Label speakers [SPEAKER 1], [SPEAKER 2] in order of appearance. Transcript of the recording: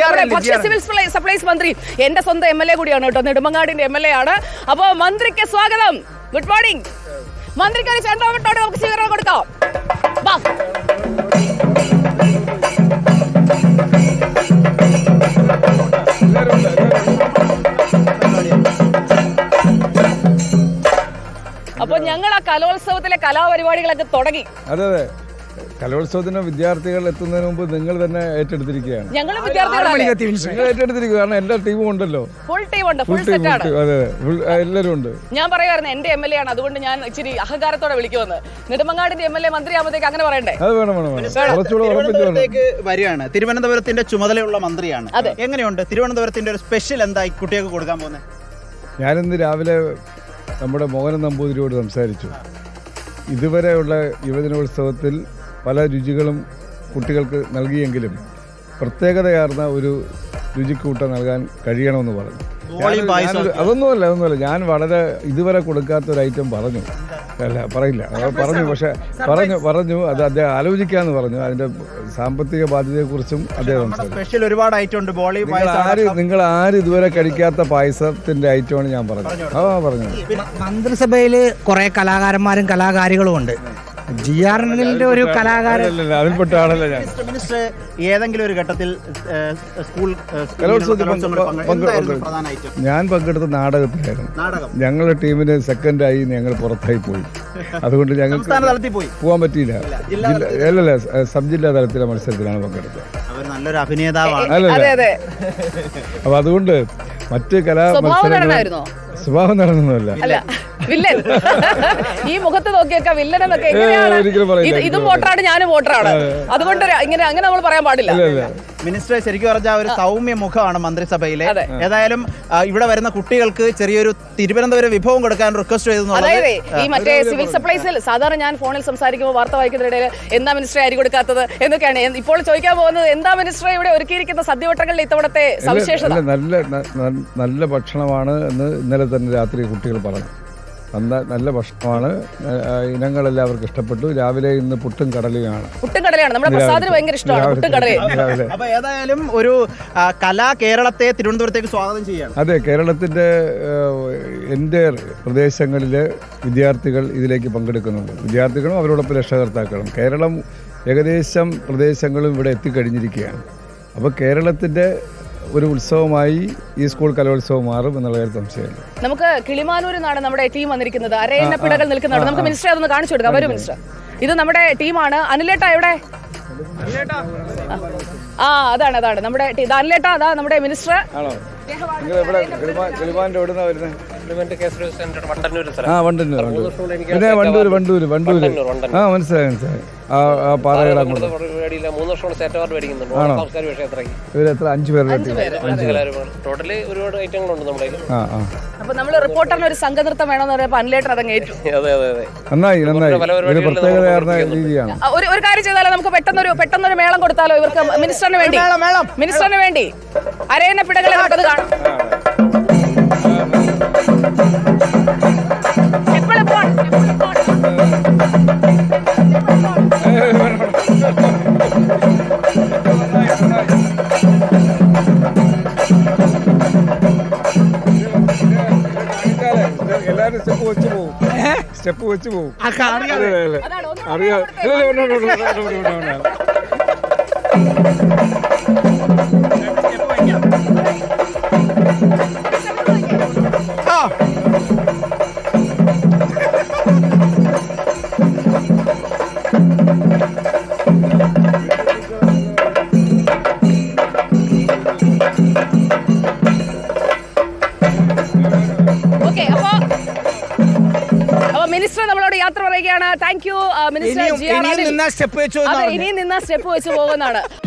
[SPEAKER 1] ഭക്ഷ്യ civil supplies മന്ത്രി എന്റെ സ്വന്തം MLA കൂടിയാണ് കേട്ടോ, നെടുമങ്ങാടിന്റെ MLA ആണ്. അപ്പോ മന്ത്രിക്ക് സ്വാഗതം. Good morning. മന്ത്രിക്ക് ഒരു ചെണ്ടോട്ടോടെ നമുക്ക് സ്വീകരണം കൊടുക്കാം. അപ്പൊ ഞങ്ങൾ ആ കലോത്സവത്തിലെ കലാപരിപാടികളൊക്കെ തുടങ്ങി.
[SPEAKER 2] അതെ അതെ, കലോത്സവത്തിന് വിദ്യാർത്ഥികൾ എത്തുന്നതിന് മുമ്പ് നിങ്ങൾ തന്നെ ഏറ്റെടുത്തിരിക്കുകയാണ്.
[SPEAKER 1] ഞങ്ങൾ
[SPEAKER 2] ഏറ്റെടുത്തിരിക്കുക, കാരണം എല്ലാ ടീമും ഉണ്ടല്ലോ.
[SPEAKER 1] ഫുൾ ടീം ഉണ്ട്, ഫുൾ സെറ്റ് ആണ്.
[SPEAKER 2] അതെ, എല്ലാവരും ഉണ്ട്. ഞാൻ
[SPEAKER 1] പറയുമായിരുന്നു എന്റെ MLA ആണ്, അതുകൊണ്ട് ഞാൻ ഇച്ചിരി അഹങ്കാരത്തോടെ വിളിക്കുമെന്ന്. നെടുമങ്ങാടിന്റെ MLA മന്ത്രിയാകുമ്പോഴത്തേക്ക് അങ്ങനെ പറയണ്ടേ?
[SPEAKER 2] അത് വേണം.
[SPEAKER 3] വരികയാണ്, തിരുവനന്തപുരത്തിന്റെ ചുമതലയുള്ള മന്ത്രിയാണ്. എങ്ങനെയുണ്ട് തിരുവനന്തപുരത്തിന്റെ ഒരു സ്പെഷ്യൽ എന്തായി കുട്ടികൾക്ക് കൊടുക്കാൻ പോകുന്നത്?
[SPEAKER 2] ഞാനിന്ന് രാവിലെ നമ്മുടെ മോഹനൻ നമ്പൂതിരിയോട് സംസാരിച്ചു. ഇതുവരെയുള്ള യുവജനോത്സവത്തിൽ പല രുചികളും കുട്ടികൾക്ക് നൽകിയെങ്കിലും പ്രത്യേകതയാർന്ന ഒരു രുചിക്കൂട്ട നൽകാൻ കഴിയണമെന്ന് പറഞ്ഞു. അതൊന്നുമല്ല, ഞാൻ വളരെ ഇതുവരെ കൊടുക്കാത്തൊരു ഐറ്റം പറഞ്ഞു. പറയില്ല, പക്ഷെ പറഞ്ഞു അത് അദ്ദേഹം ആലോചിക്കാന്ന് പറഞ്ഞു. അതിന്റെ സാമ്പത്തിക ബാധ്യതയെക്കുറിച്ചും അദ്ദേഹം നിങ്ങൾ ആരും ഇതുവരെ കഴിക്കാത്ത പായസത്തിന്റെ ഐറ്റമാണ് ഞാൻ പറഞ്ഞത്.
[SPEAKER 4] മന്ത്രിസഭയിൽ കുറെ കലാകാരന്മാരും കലാകാരികളും ഉണ്ട്. ജിആറിന്റെ ഒരു കലാകാരൻ
[SPEAKER 2] അതിൽപ്പെട്ട ആളല്ല ഞാൻ.
[SPEAKER 3] മിനിസ്റ്റർ ഏതെങ്കിലും ഒരു ഘട്ടത്തിൽ സ്കൂൾ
[SPEAKER 2] ഞാൻ പങ്കെടുത്ത നാടകത്തിലായിരുന്നു. ഞങ്ങളുടെ ടീമിന് സെക്കൻഡായി ഞങ്ങൾ പുറത്തായി പോയി. അതുകൊണ്ട് ഞങ്ങൾക്ക് പോകാൻ പറ്റിയില്ല. അല്ലല്ല, സബ് ജില്ലാ തലത്തിലെ മത്സരത്തിലാണ് പങ്കെടുത്തത്.
[SPEAKER 3] നല്ലൊരു അഭിനേതാവാണ്.
[SPEAKER 2] അപ്പൊ അതുകൊണ്ട് മറ്റ് കലാ മത്സരങ്ങൾ സ്വഭാവം നടന്നൊന്നുമല്ല.
[SPEAKER 1] വില്ലൻ ഈ മുഖത്ത് നോക്കിയൊക്കെ വില്ലൻ എന്നൊക്കെ ഇതും വോട്ടറാണ്, ഞാനും വോട്ടറാണ്. അതുകൊണ്ട് ഇങ്ങനെ അങ്ങനെ നമ്മൾ പറയാൻ പാടില്ല.
[SPEAKER 3] മിനിസ്റ്റർ ശരിക്കും പറഞ്ഞാൽ ഒരു സൗമ്യ മുഖമാണ് മന്ത്രിസഭയിലെ. ഏതായാലും ഇവിടെ വരുന്ന കുട്ടികൾക്ക് ചെറിയൊരു തിരുവനന്തപുരം വിഭവം കൊടുക്കാൻ റിക്വസ്റ്റ് ചെയ്തു.
[SPEAKER 1] അതായത് ഈ മറ്റേ സിവിൽ സപ്ലൈസിൽ സാധാരണ ഞാൻ ഫോണിൽ സംസാരിക്കുമ്പോൾ വാർത്ത വായിക്കുന്നതിനിടയിൽ എന്താ മിനിസ്റ്റർ അരി കൊടുക്കാത്തത് എന്നൊക്കെയാണ്. ഇപ്പോൾ ചോദിക്കാൻ പോകുന്നത്, എന്താ മിനിസ്റ്റർ ഇവിടെ ഒരുക്കിയിരിക്കുന്ന സദ്യവട്ടങ്ങളിൽ ഇത്തവണത്തെ സവിശേഷത?
[SPEAKER 2] നല്ല ഭക്ഷണമാണ് എന്ന് ഇന്നലെ തന്നെ രാത്രി കുട്ടികൾ പറഞ്ഞു. നല്ല ഭക്ഷണമാണ്, ഇനങ്ങളെല്ലാവർക്കും ഇഷ്ടപ്പെട്ടു. രാവിലെ ഇന്ന് പുട്ടും കടലയാണ്.
[SPEAKER 1] നമ്മുടെ പ്രസാദിന് ഭയങ്കര ഇഷ്ടമാണ് പുട്ടും കടലയും.
[SPEAKER 3] അപ്പൊ ഏതായാലും ഒരു കലാ കേരളത്തെ തിരുവനന്തപുരത്തേക്ക് സ്വാഗതം ചെയ്യാണ്.
[SPEAKER 2] അതെ, കേരളത്തിന്റെ എൻ്റെ പ്രദേശങ്ങളിലെ വിദ്യാർത്ഥികൾ ഇതിലേക്ക് പങ്കെടുക്കുന്നുണ്ട്. വിദ്യാർത്ഥികളും അവരോടൊപ്പം രക്ഷകർത്താക്കളും. കേരളം ഏകദേശം പ്രദേശങ്ങളും ഇവിടെ എത്തിക്കഴിഞ്ഞിരിക്കുകയാണ്. അപ്പോൾ കേരളത്തിന്റെ ഒരു ഉത്സവമായി ഈ സ്കൂൾ കലോത്സവം മാറും എന്നുള്ള കാര്യം സംശയമില്ല.
[SPEAKER 1] നമുക്ക് കിളിമാനൂരിൽ നിന്നാണ് നമ്മുടെ ടീം വന്നിരിക്കുന്നത്. അരയന്നപ്പിടകൾ നിൽക്കുന്നുണ്ട്. നമുക്ക് മിനിസ്റ്റർ അതൊന്ന് കാണിച്ചു കൊടുക്കാം. വരും മിനിസ്റ്റർ, ഇത് നമ്മുടെ ടീമാണ്. അനിലേട്ടാ എവിടെ? അതാണ് നമ്മുടെ അനിലേട്ടാ, അതാ നമ്മുടെ മിനിസ്റ്റർ.
[SPEAKER 2] വണ്ടൂര്. മനസ്സിലായി. ഇവരെത്ര 5 പേരുടെ
[SPEAKER 1] അപ്പൊ നമ്മള് റിപ്പോർട്ടറിന് ഒരു സംഘനൃത്തം വേണമെന്ന് പറഞ്ഞപ്പോ അനിലേട്ടർ അതങ്ങ് ഏറ്റു.
[SPEAKER 2] നന്നായി. ഒരു പ്രത്യേകതയാർന്ന രീതിയാണ്.
[SPEAKER 1] ഒരു കാര്യം ചെയ്താലോ, നമുക്ക് പെട്ടെന്നൊരു മേളം കൊടുത്താലോ ഇവർക്ക്? മിനിസ്റ്ററിന് വേണ്ടി അരയന്നപ്പിടകളെ നമുക്കത് കാണാം.
[SPEAKER 2] എല്ലാരും സ്റ്റെപ്പ് വെച്ച് പോകും.
[SPEAKER 1] മിനിസ്റ്റർ നമ്മളോട് യാത്ര പറയുകയാണ്. Thank you minister. ഇനിയും നിന്ന സ്റ്റെപ്പ് വെച്ച് പോകുന്നതാണ്.